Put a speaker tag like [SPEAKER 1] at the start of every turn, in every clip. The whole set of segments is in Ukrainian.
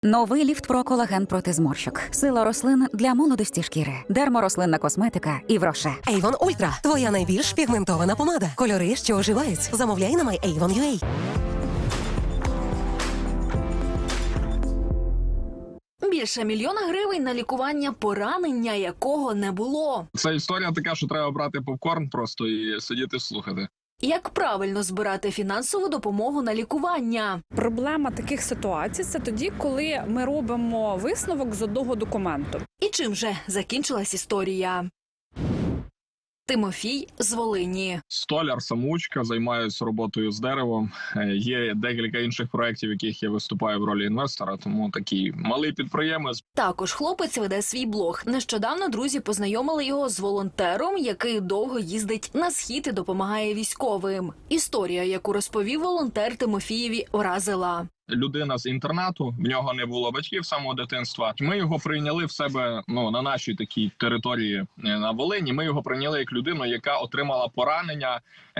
[SPEAKER 1] Новий ліфт про колаген проти зморщок. Сила рослин для молодості шкіри. Дерморослинна косметика і Роше.
[SPEAKER 2] Avon Ultra – твоя найбільш пігментована помада. Кольори, що оживають. Замовляй на myavon.ua.
[SPEAKER 3] Більше 1 мільйона гривень на лікування поранення, якого не було.
[SPEAKER 4] Це історія така, що треба брати попкорн просто і сидіти слухати.
[SPEAKER 3] Як правильно збирати фінансову допомогу на лікування?
[SPEAKER 5] Проблема таких ситуацій – це тоді, коли ми робимо висновок з одного документу.
[SPEAKER 3] І чим же закінчилась історія? Тимофій з Волині.
[SPEAKER 4] Столяр-самоучка, займаюся роботою з деревом. Є декілька інших проєктів, в яких я виступаю в ролі інвестора, тому такий малий підприємець.
[SPEAKER 3] Також хлопець веде свій блог. Нещодавно друзі познайомили його з волонтером, який довго їздить на схід і допомагає військовим. Історія, яку розповів волонтер Тимофієві, вразила.
[SPEAKER 4] Людина з інтернату, в нього не було батьків з самого дитинства. Ми його прийняли в себе, на нашій такій території на Волині. Ми його прийняли як людину, яка отримала поранення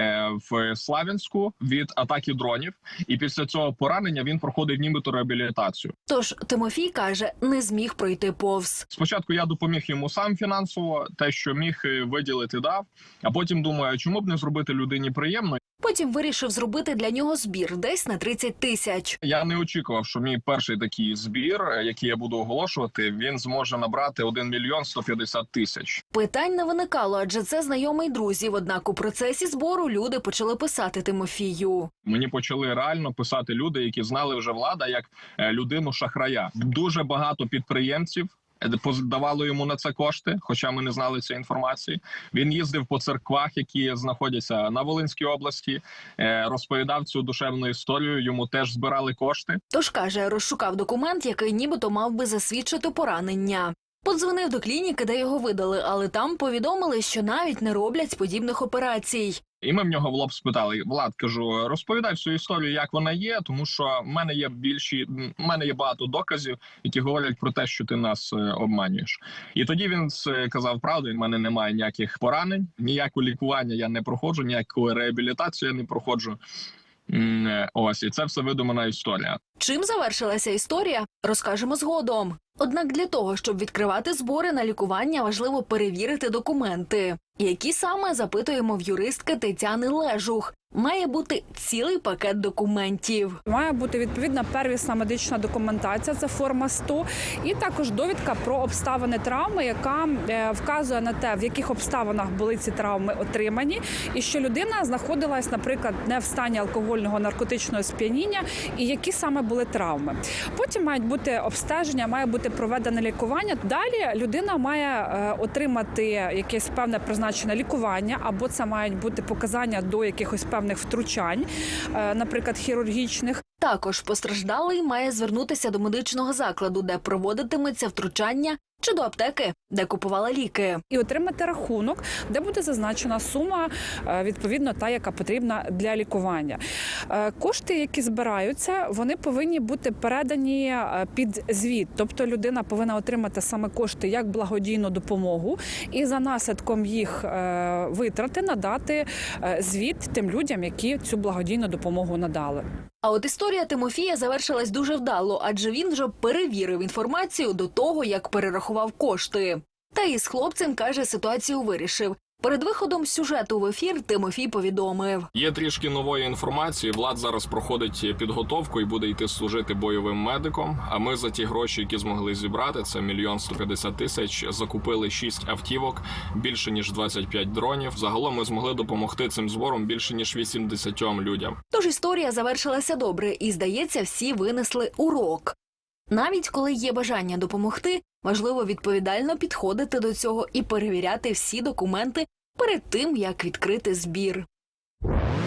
[SPEAKER 4] в Славянську від атаки дронів. І після цього поранення він проходив нібито реабілітацію.
[SPEAKER 3] Тож Тимофій каже, не зміг пройти повз.
[SPEAKER 4] Спочатку я допоміг йому сам фінансово, те, що міг виділити, дав. А потім думаю, чому б не зробити людині приємно.
[SPEAKER 3] Потім вирішив зробити для нього збір десь на 30 тисяч.
[SPEAKER 4] Я не очікував, що мій перший такий збір, який я буду оголошувати, він зможе набрати 1 мільйон 150 тисяч.
[SPEAKER 3] Питань не виникало, адже це знайомий друзів. Однак у процесі збору люди почали писати Тимофію.
[SPEAKER 4] Мені почали реально писати люди, які знали вже Влада як людину-шахрая. Дуже багато підприємців давало йому на це кошти, хоча ми не знали цієї інформації. Він їздив по церквах, які знаходяться на Волинській області, розповідав цю душевну історію, йому теж збирали кошти.
[SPEAKER 3] Тож, каже, розшукав документ, який нібито мав би засвідчити поранення. Подзвонив до клініки, де його видали, але там повідомили, що навіть не роблять подібних операцій.
[SPEAKER 4] І ми в нього в лоб спитали: Влад, кажу, розповідай всю історію, як вона є, тому що в мене є багато доказів, які говорять про те, що ти нас обманюєш. І тоді він сказав правду: в мене немає ніяких поранень, ніякого лікування я не проходжу, ніяку реабілітацію я не проходжу. Ось, і це все видумана історія.
[SPEAKER 3] Чим завершилася історія, розкажемо згодом. Однак для того, щоб відкривати збори на лікування, важливо перевірити документи. Які саме, запитуємо в юристки Тетяни Лежух. Має бути цілий пакет документів.
[SPEAKER 5] Має бути відповідна первісна медична документація, це форма 100, і також довідка про обставини травми, яка вказує на те, в яких обставинах були ці травми отримані, і що людина знаходилась, наприклад, не в стані алкогольного наркотичного сп'яніння, і які саме були травми. Потім мають бути обстеження, має бути проведене лікування. Далі людина має отримати якесь певне призначене лікування, або це мають бути показання до якихось певних втручань, наприклад, хірургічних.
[SPEAKER 3] Також постраждалий має звернутися до медичного закладу, де проводитиметься втручання, чи до аптеки, де купувала ліки.
[SPEAKER 5] І отримати рахунок, де буде зазначена сума, відповідно, та, яка потрібна для лікування. Кошти, які збираються, вони повинні бути передані під звіт. Тобто людина повинна отримати саме кошти як благодійну допомогу і за наслідком їх витрати надати звіт тим людям, які цю благодійну допомогу надали.
[SPEAKER 3] А от історія Тимофія завершилась дуже вдало, адже він вже перевірив інформацію до того, як перерахував кошти. Та із хлопцем, каже, ситуацію вирішив. Перед виходом сюжету в ефір Тимофій повідомив.
[SPEAKER 4] Є трішки нової інформації. Влад зараз проходить підготовку і буде йти служити бойовим медиком. А ми за ті гроші, які змогли зібрати, це 1 мільйон 150 тисяч, закупили 6 автівок, більше ніж 25 дронів. Загалом ми змогли допомогти цим збором більше ніж 80 людям.
[SPEAKER 3] Тож історія завершилася добре і, здається, всі винесли урок. Навіть коли є бажання допомогти, важливо відповідально підходити до цього і перевіряти всі документи перед тим, як відкрити збір.